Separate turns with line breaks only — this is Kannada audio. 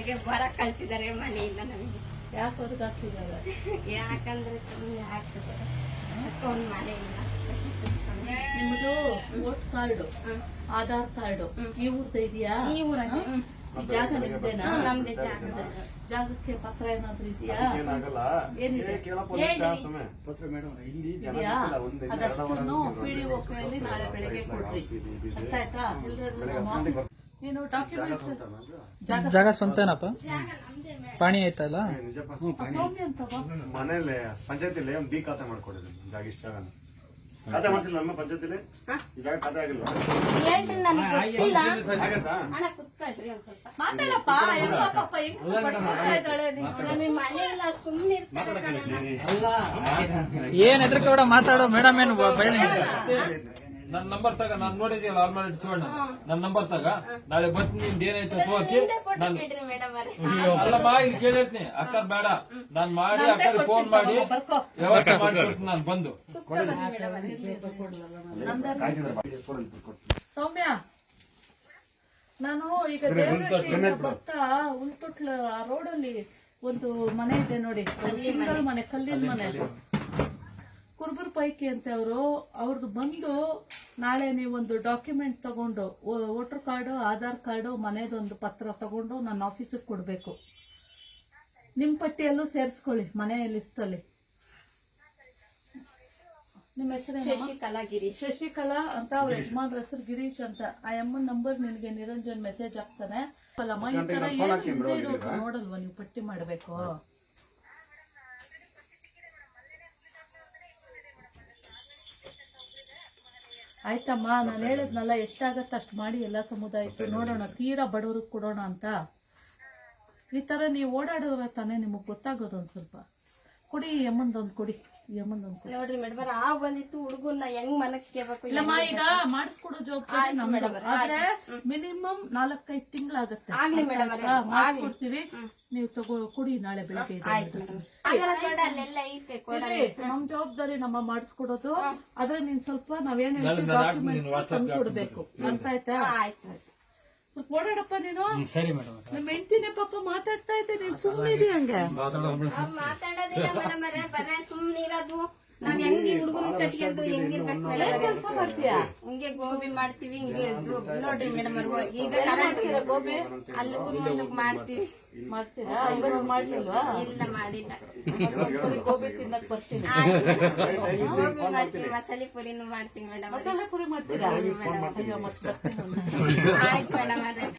ಹೊರಗೆ ಬರಕ್ ಕಳ್ಸಿದಾರೆ ಮನೆಯಿಂದ ನಮಗೆ.
ಯಾಕೆ ಹೊರಗೆ ಹಾಕಿದ್ದಾರೆ?
ಯಾಕಂದ್ರೆ ಸುಮ್ಮನೆ ಹಾಕ್ತಿದ್ದಾರೆ ಒಂದ್ ಮನೆಯಿಂದ.
ನಿಮ್ದು ವೋಟ್ ಕಾರ್ಡು, ಆಧಾರ್ ಕಾರ್ಡು ಇವ್ರದ್ದು ಇದೆಯಾ?
ಈ ಊರಲ್ಲಿ
ಈ ಜಾಗ ನಿಮ್ದೇನಾ?
ನಮ್ದೇ ಜಾಗ.
ಜಾಗಕ್ಕೆ ಪತ್ರ ಏನಾದ್ರು ಇದೆಯಾ? ಏನಿದೆ ಇದೆಯಾ? ಅದಷ್ಟನ್ನು PDO ಕೈಯಲ್ಲಿ ನಾಳೆ ಬೆಳಿಗ್ಗೆ ಕೊಡ್ರಿ. ಅರ್ಥ ಆಯ್ತಾ? ಇಲ್ದಿದ್ರೆ ನಮ್ಮ ಆಫೀಸ್ ನೀನು ಡಾಕ್ಯುಮೆಂಟ್ಸ್
ಜಾಗ ಸ್ವಂತನಪ್ಪ?
ಜಾಗ ನಮ್ದೇ ಮೇಡಮ್.
ಪಾಣಿ ಆಯ್ತಲ್ಲ?
ಸೌಮ್ಯ ಅಂತ
ಮನೇಲಿ ಪಂಚಾಯತಿಲಿ ಒಂದು ಬಿ ಖಾತೆ ಮಾಡ್ಕೊಡಿದ್ರು ಜಾಗ. ಇಷ್ಟ ಜಾಗ ಖಾತೆ ಮಾಡ್ತಿಲ್ಲ ನಮ್ಮ ಪಂಚಾಯತಿಲಿ ಈ ಜಾಗ ಖಾತೆ ಆಗಿಲ್ವಾ?
ಹೇಳ್ರಿ ನನಗೆ ಗೊತ್ತಿಲ್ಲ.
ಆಗತ್ತಾ?
ಅಣ್ಣ ಕುತ್ಕೊಳ್ರಿ ಒಂದ್ ಸ್ವಲ್ಪ.
ಮಾತಾಡಪ್ಪ. ಪಾಪ ಹೆಂಗ್ ಮಾಡ್ತಾ ಇದ್ದಾಳೆ ನೀನು?
ನಮಗೆ ಮನೆ ಇಲ್ಲ, ಸುಮ್ಮನೆ ಇರ್ತಾರೆ ಕಣಣ್ಣ.
ಏನ್ ಎದ್ರಕೂಡ ಮಾತಾಡೋ ಮೇಡಮ್ ಏನು ಬೈಲಿ?
ನನ್ ನಂಬರ್ ತಗ, ನಾನ್ ನೋಡಿದೀಯಲ್ಲ ಆಲ್ಮೋಸ್ಟ್ ಶಿವಣ್ಣ, ನನ್ ನಂಬರ್ ತಗ, ನಾಳೆ ಬರ್ತೀನಿ, ನಿಮ್ದು ಏನಾಯ್ತು ತೋರ್ಸಿ.
ಹಿಂದೆ ಕೊಟ್ಬಿಡ್ರಿ ಮೇಡಮ್ ಅವರೇ.
ಅಲ್ಲಮ್ಮ ಇಲ್ಲಿ ಕೇಳಿರ್ತೀನಿ, ಅಕ್ಕರ್ ಬೇಡ, ನಾನ್ ಮಾಡಿ ಅಕ್ಕರ್ ಫೋನ್ ಮಾಡಿ ವ್ಯವಸ್ಥೆ ಮಾಡ್ಕೊಡ್ತೀನಿ ನಾನು ಬಂದು.
ಕುತ್ಕೊಳ್ರಿ ಮೇಡಮ್ ಅವರೇ.
ಸೌಮ್ಯ, ನಾನು ಈಗ ದೇವರಹಳ್ಳಿಯಿಂದ ಬರ್ತಾ ಉಳ್ತೊಟ್ಲ ಆ ರೋಡಲ್ಲಿ ಒಂದು ಮನೆ ಇದೆ ನೋಡಿ, ಸಿಂಗಲ್ ಮನೆ, ಕಲ್ಲಿನ ಮನೆ, ಕುರುಬರ್ ಪೈಕಿ ಅಂತ ಅವ್ರದ್ದು ಬಂದು ನಾಳೆ ನೀವೊಂದು ಡಾಕ್ಯುಮೆಂಟ್ ತಗೊಂಡು, ವೋಟರ್ ಕಾರ್ಡು, ಆಧಾರ್ ಕಾರ್ಡು, ಮನೆದೊಂದು ಪತ್ರ ತಗೊಂಡು ನನ್ನ ಆಫೀಸಿಗೆ ಕೊಡ್ಬೇಕು. ನಿಮ್ ಪಟ್ಟಿಯಲ್ಲೂ ಸೇರಿಸ್ಕೊಳ್ಳಿ ಮನೆ ಲಿಸ್ಟ್ ಅಲ್ಲಿ. ನಿಮ್ಮ ಹೆಸರು?
ಶಶಿಕಲಾ ಗಿರೀಶ್.
ಶಶಿಕಲಾ ಅಂತ ಅವ್ರ ಯಜಮಾನ್ರ ಹೆಸರು ಗಿರೀಶ್ ಅಂತ. ಆ ಅಮ್ಮನ ನಂಬರ್ ನಿನ್ಗೆ ನಿರಂಜನ್ ಮೆಸೇಜ್ ಹಾಕ್ತಾನೆ. ಅಲ್ಲಮ್ಮ, ಈ ತರ ಏನು ಹಿಂದೆ ಇರೋದು ನೋಡಲ್ವಾ ನೀವು? ಪಟ್ಟಿ ಮಾಡ್ಬೇಕು. ಆಯ್ತಮ್ಮ, ನಾನು ಹೇಳಿದ್ನಲ್ಲ, ಎಷ್ಟಾಗತ್ತ ಅಷ್ಟು ಮಾಡಿ ಎಲ್ಲ ಸಮುದಾಯಕ್ಕೆ ನೋಡೋಣ, ತೀರಾ ಬಡವ್ರಿಗೆ ಕೊಡೋಣ ಅಂತ. ಈ ತರ ನೀವು ಓಡಾಡೋರ ತಾನೇ ನಿಮಗ್ ಗೊತ್ತಾಗೋದು. ಒಂದ್ ಸ್ವಲ್ಪ ಕೊಡಿ, ಯಮ್ಮಂದೊಂದು ಕೊಡಿ, ಯಮ್ಮಂದೊಂದು ಕೊಡಿ.
ನೋಡ್ರಿ ಮೇಡಮ್, ಆ ಬಂದಿತ್ತು ಹುಡುಗನ್ನ ಹೆಂಗ್ ಮನಸ್ಕೇಬೇಕು.
ಇಲ್ಲಮ್ಮ, ಈಗ ಮಾಡಿಸ್ಕೊಡೋ ಜವಾಬ್ದಾರಿ ನಮ್ದು. ಆದ್ರೆ ಮಿನಿಮಮ್ 4-5 ತಿಂಗಳಾಗತ್ತೆ.
ಆಗ್ಲಿ ಮೇಡಮ್ ಅವರೇ,
ಮಾಡಿಸ್ಕೊಡ್ತೀವಿ, ನೀವು ಕೊಡಿ ನಾಳೆ ಬೆಳಿಗ್ಗೆ.
ಅಲ್ಲೆಲ್ಲ ಐತೆ ಕೊಡಲಿ.
ನಮ್ ಜವಾಬ್ದಾರಿ ನಮ್ಮ ಮಾಡಿಸ್ಕೊಡೋದು. ಆದ್ರೆ ನೀನ್ ಸ್ವಲ್ಪ ನಾವೇನ್ ಹೇಳ್ತೀವಿ ಡಾಕ್ಯುಮೆಂಟ್ಸ್ ತಂದು ಕೊಡ್ಬೇಕು. ಅರ್ಥ ಆಯ್ತಾ?
ಆಯ್ತು.
ಸ್ವಲ್ಪ ಓಡಾಡಪ್ಪ ನೀನು.
ಸರಿ ಮೇಡಮ್.
ನಮ್ಮ ಹೆಂಡತಿನೇ ಪಾಪ ಮಾತಾಡ್ತಾ ಇದ್ದೆ, ನೀನ್ ಸುಮ್ಮನೆ ಇದೀಯ ಹಂಗೆ.
ಅವ್ರು ಮಾತಾಡೋದಿಲ್ಲ ಮೇಡಮ್ ಅವರೇ, ಬರೇ ಸುಮ್ನೆ ಇರೋದು. ನಾವ್ ಹೆಂಗ್ ಹುಡುಗರು ಕಟ್ಕೊಂಡು ಹೆಂಗಿರ್ಬೇಕು ಮೇಡಮ್?
ಕೆಲಸ ಮಾಡ್ತೀಯಾ?
ಹಿಂಗೆ ಗೋಬಿ ಮಾಡ್ತೀವಿ, ಹಿಂಗೆ ನೋಡ್ರಿ ಮೇಡಮ್ ಅವ್ರು ಈಗ ಕರೆಂಟ್
ಗೋಬಿ
ಅಲ್ಲಿ ಊರ್ ಮುಂದಕ್ ಮಾಡ್ತೀವಿ.
ಮಾಡ್ತೀರಾ? ಇವತ್ತು ಮಾಡ್ಲಿಲ್ವಾ?
ಇಲ್ಲ ಮಾಡಿಲ್ಲ.
ಒಂದ್ಸರಿ ಗೋಬಿ ತಿನ್ನಕ್ ಬರ್ತೀನಿ.
ಗೋಬಿ ಮಾಡ್ತೀವಿ, ಮಸಾಲೆ ಪುರಿನೂ ಮಾಡ್ತೀವಿ ಮೇಡಮ್.
ಮಸಾಲೆ ಪುರಿ ಮಾಡ್ತೀರಾ? ಅಯ್ಯೋ, ಮತ್ತೆ ಬರ್ತೀನಿ.
ಆಯ್ತು ಮೇಡಮ್ ಅವ್ರೆ.